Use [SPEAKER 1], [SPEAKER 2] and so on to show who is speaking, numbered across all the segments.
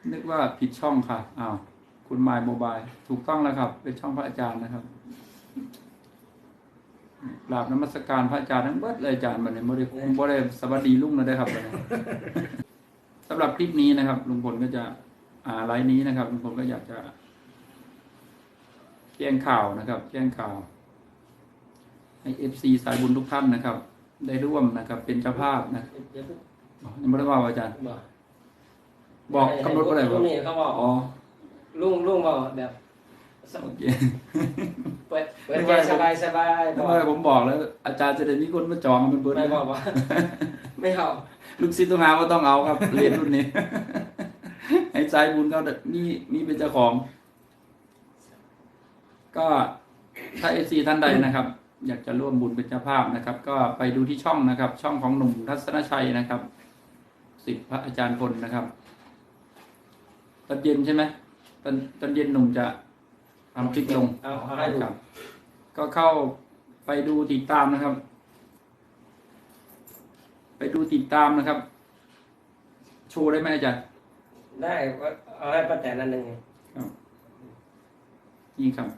[SPEAKER 1] นึกว่าผิดช่องค่ะอ้าวคุณมายโมบายถูกต้องแล้วครับ เป็นช่องพระอาจารย์นะครับกราบนมัสการพระอาจารย์ทั้งเบิดเลยอาจารย์บัดนี้บ่ได้สวัสดีลุงนะได้ครับบัดนี้สำหรับคลิปนี้นะครับลุงพลก็จะไลฟ์นี้นะครับลุงพลก็อยากจะแจ้งข่าวนะครับแจ้งข่าวให้FC สายบุญทุกท่านนะครับ ได้ร่วมนะครับ เป็นเจ้าภาพนะยังไม่ได้ว่าอาจารย์บอกกำหนดอะไร
[SPEAKER 2] ลุงนี่เขาบอก
[SPEAKER 1] อ๋อ
[SPEAKER 2] ลุงบอกแบบ
[SPEAKER 1] โอเค
[SPEAKER 2] เปิดใจสบาย
[SPEAKER 1] ทำไมผมบอกแล้ว อาจารย์จะได้มีคนมาจองเป็นเบิร์ด
[SPEAKER 2] ไม่บอกว่า ไม่เอา
[SPEAKER 1] ลูกศิษย์ต้องหาว่าต้องเอาครับเรียนรุ่นนี้ ให้สายบุญเขามีเป็นเจ้าของ ก็ถ้าเอซีท่านใดนะครับ อยากจะร่วมบุญเป็นเจ้าภาพนะครับ ก็ไปดูที่ช่องนะครับ ช่องของหนุ่มทัศนชัยนะครับศิษย์พระอาจารย์พลนะครับตอนเย็นใช่ไหมตอนเย็นหนุ่มจะทำคลิปลง
[SPEAKER 2] เอาให้ดู
[SPEAKER 1] ครับ ก็เข้าไปดูติดตามนะครับ ไปดูติดตามนะครับ โชว์ได้ไหมอาจารย์
[SPEAKER 2] ได้เอาให้ป้าแตนนั่นหนึ่ง
[SPEAKER 1] ครับนี่ครับ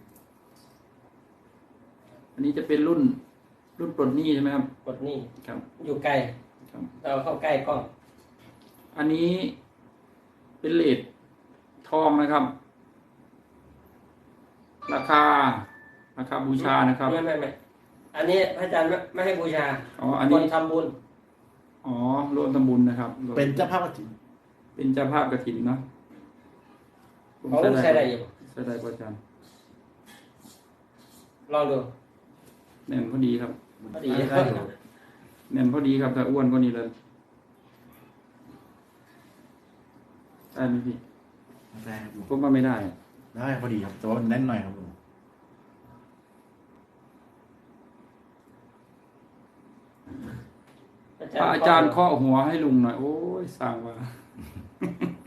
[SPEAKER 1] อันนี้จะเป็นรุ่นปลดหนี้ใช่ไหมครับ
[SPEAKER 2] กดนี่
[SPEAKER 1] ครับ
[SPEAKER 2] อยู่ไกล
[SPEAKER 1] ครับ
[SPEAKER 2] เราเข้าใกล้กล้อง
[SPEAKER 1] อันนี้เป็นเลททองนะครับ ราคาบูชานะครับ
[SPEAKER 2] ไม่อันนี้พระอาจารย์ไม่ให้บูชา
[SPEAKER 1] อ๋ออัน
[SPEAKER 2] ค
[SPEAKER 1] นี้
[SPEAKER 2] นทำบุญ
[SPEAKER 1] อ๋อรวมทำบุญนะครับ
[SPEAKER 3] เป็นเจ้าภาพกฐิน
[SPEAKER 1] เป็นเจ้าภาพกฐินเนาะผม
[SPEAKER 2] เขาใช้ได้อยู่
[SPEAKER 1] ใช้ได้กว่าอาจารย์
[SPEAKER 2] ลองดู
[SPEAKER 1] แน่นพอดีครับ
[SPEAKER 2] พอดี
[SPEAKER 3] ได้อยู่
[SPEAKER 1] แน่นพอดีครับแต่อ้วนกว่านี้เลยได้ไหมพี่
[SPEAKER 3] ได้ครับลุง
[SPEAKER 1] ผมว่าไม่ได้
[SPEAKER 3] ได้พอดีครับแต่ว่ามันแน่นหน่อยครับลุง
[SPEAKER 1] พระอาจารย์เคาะหัวให้ลุงหน่อย โอ้ยสั่งว่า